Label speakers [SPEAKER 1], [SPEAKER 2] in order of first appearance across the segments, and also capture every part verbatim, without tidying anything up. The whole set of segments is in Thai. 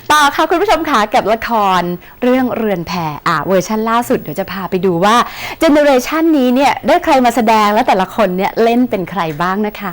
[SPEAKER 1] ต่อค่ะคุณผู้ชมค่ะกับละครเรื่องเรือนแพอ่ะเวอร์ชันล่าสุดเดี๋ยวจะพาไปดูว่าเจเนอเรชันนี้เนี่ยได้ใครมาแสดงและแต่ละคนเนี่ยเล่นเป็นใครบ้างนะคะ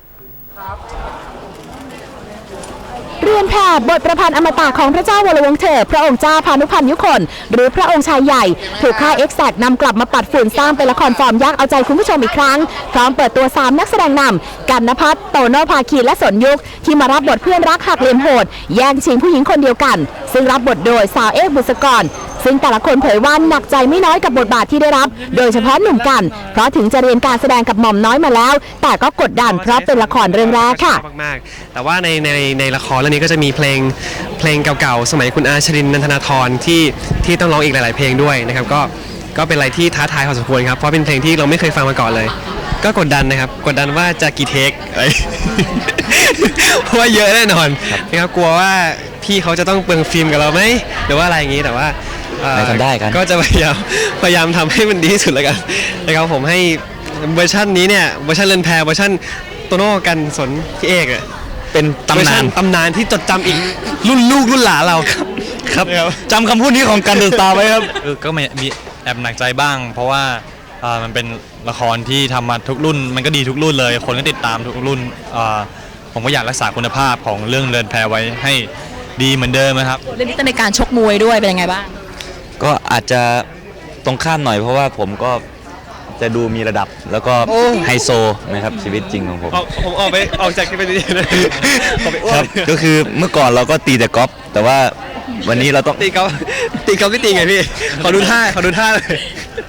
[SPEAKER 1] เรือนแพบทประพันธ์อมตะของพระเจ้าวรวงศ์เธอพระองค์เจ้าพานุพันธ์ยุคนหรือพระองค์ชายใหญ่ถูกค่ายเอ็กแซกนำกลับมาปัดฝุ่นสร้างเป็นละครฟอร์มยักษ์เอาใจคุณผู้ชมอีกครั้งพร้อมเปิดตัวสามนักแสดงนำกันณภัทรโตโน่ภาคีและสนยุคที่มารับบทเพื่อนรักหักเหลี่ยมโหดแย่งชิงผู้หญิงคนเดียวกันซึ่งรับบทโดยสาวเอกบุษกรซึ่งแต่ละคนเผยว่าหนักใจไม่น้อยกับบทบาทที่ได้รับโดยเฉพาะหนุ่มกันเพราะถึงจะเรียนการแสดงกับหม่อมน้อยมาแล้วแต่ก็กดดันเพราะเป็นละครเรื่องแรกค่ะ
[SPEAKER 2] มากๆแต่ว่าในในในละครเรื่องนี้ก็จะมีเพลงเพลงเก่าๆสมัยคุณอาชรินทร์ นันทนาธรที่ที่ต้องร้องอีกหลายๆเพลงด้วยนะครับก็ก็เป็นอะไรที่ท้าทายพอสมควรครับเพราะเป็นเพลงที่เราไม่เคยฟังมาก่อนเลยก็กดดันนะครับกดดันว่าจะกี่เทคอะไร เพราะว่าเยอะแน่นอนนะครับกลัวว่าพี่เขาจะต้องเปลืองฟิล์มกับเราไหมหรือว่าอะไรอย่างนี้แต่ว่า
[SPEAKER 3] ไม่ทำได้กัน
[SPEAKER 2] ก็จะพยายามพยายามทำให้มันดีที่สุดแล้วกันนะครับผมให้เวอร์ชันนี้เนี่ยเวอร์ชันเรือนแพเวอร์ชันโตโน่กันสนพี่เอกอะ
[SPEAKER 3] เป็นตำนาน
[SPEAKER 2] ตำนานที่จดจำอีกรุ่นลูกรุ่นหลานเราครับ
[SPEAKER 3] ครับจำคำพูดนี้ของกันเดอะสตาร์ไว้ครับ
[SPEAKER 4] ก็มีแอบหนักใจบ้างเพราะว่ามันเป็นละครที่ทำมาทุกรุ่นมันก็ดีทุกรุ่นเลยคนก็ติดตามทุกรุ่นผมก็อยากรักษาคุณภาพของเรื่องเรือนแพไว้ให้ดีเหมือนเดิมนะครับ
[SPEAKER 1] เรื่องนี้ต้องในการชกมวยด้วยเป็นยังไงบ้าง
[SPEAKER 3] ก็อาจจะตรงข้ามหน่อยเพราะว่าผมก็จะดูมีระดับแล้วก็ไฮโซนะครับชีวิตจริงของผม
[SPEAKER 2] ผมออกไปออกจากที่เป็นนี่เลย
[SPEAKER 3] ครับก็คือเมื่อก่อนเราก็ตีแต่กอล์ฟแต่ว่าวันนี้เราต้อง
[SPEAKER 2] ตีกอล์ฟตีกอล์ฟไม่ตีไงพี่ขอดูท่าขอดูท่าเลย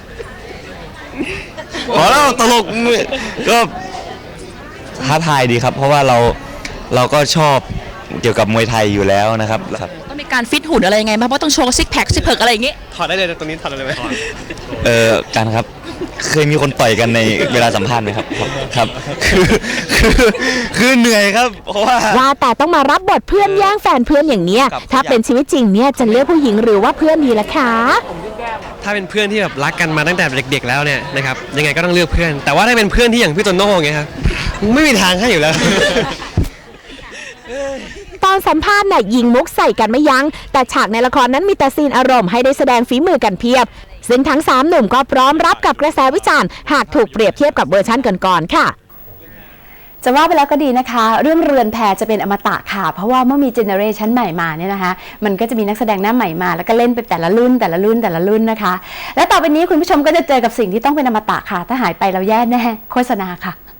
[SPEAKER 3] อ๋อแล้วตลกก็ท้าทายดีครับเพราะว่าเราเราก็ชอบเกี่ยวกับมวยไทยอยู่แล้วนะครับ
[SPEAKER 1] ต้องมีการฟิตหุ่นอะไรยังไงบ้างเพราะต้องโชว์ซิกแพคซิกเพิร์กอะไรอย่างงี้
[SPEAKER 2] ถอดได้เลยตรงนี้ถอดได้เลยไหม
[SPEAKER 3] เออการครับเคยมีคนต่อยกันในเวลาสัมภาษณ์ไหมครับครับคือคือคือเหนื่อยครับเพราะว่า
[SPEAKER 1] ว่าแต่ต้องมารับบทเพื่อนแย่งแฟนเพื่อนอย่างเนี้ยถ้าเป็นชีวิตจริงเนี่ยจะเลือกผู้หญิงหรือว่าเพื่อนดีล่ะคะ
[SPEAKER 2] ถ้าเป็นเพื่อนที่แบบรักกันมาตั้งแต่เด็กๆแล้วเนี่ยนะครับยังไงก็ต้องเลือกเพื่อนแต่ว่าถ้าเป็นเพื่อนที่อย่างพี่โตโน่ไงครับไม่มีทางให้อยู่แล้ว
[SPEAKER 1] ตอนสัมภาษณ์น่ะยิงมุกใส่กันไม่ยั้งแต่ฉากในละครนั้นมีแต่ซีนอารมณ์ให้ได้แสดงฝีมือกันเพียบซึ่งทั้งสามหนุ่มก็พร้อมรับกับกระแสวิจารณ์หากถูกเปรียบเทียบกับเวอร์ชันก่อนๆค่ะจะว่าไปแล้วก็ดีนะคะเรื่องเรือนแพจะเป็นอมตะค่ะเพราะว่าเมื่อมีเจเนอเรชันใหม่มาเนี่ยนะคะมันก็จะมีนักแสดงหน้าใหม่มาแล้วก็เล่นไปแต่ละรุ่นแต่ละรุ่นแต่ละรุ่นนะคะและต่อไปนี้คุณผู้ชมก็จะเจอกับสิ่งที่ต้องเป็นอมตะค่ะถ้าหายไปเราแย่แน่โฆษณาค่ะ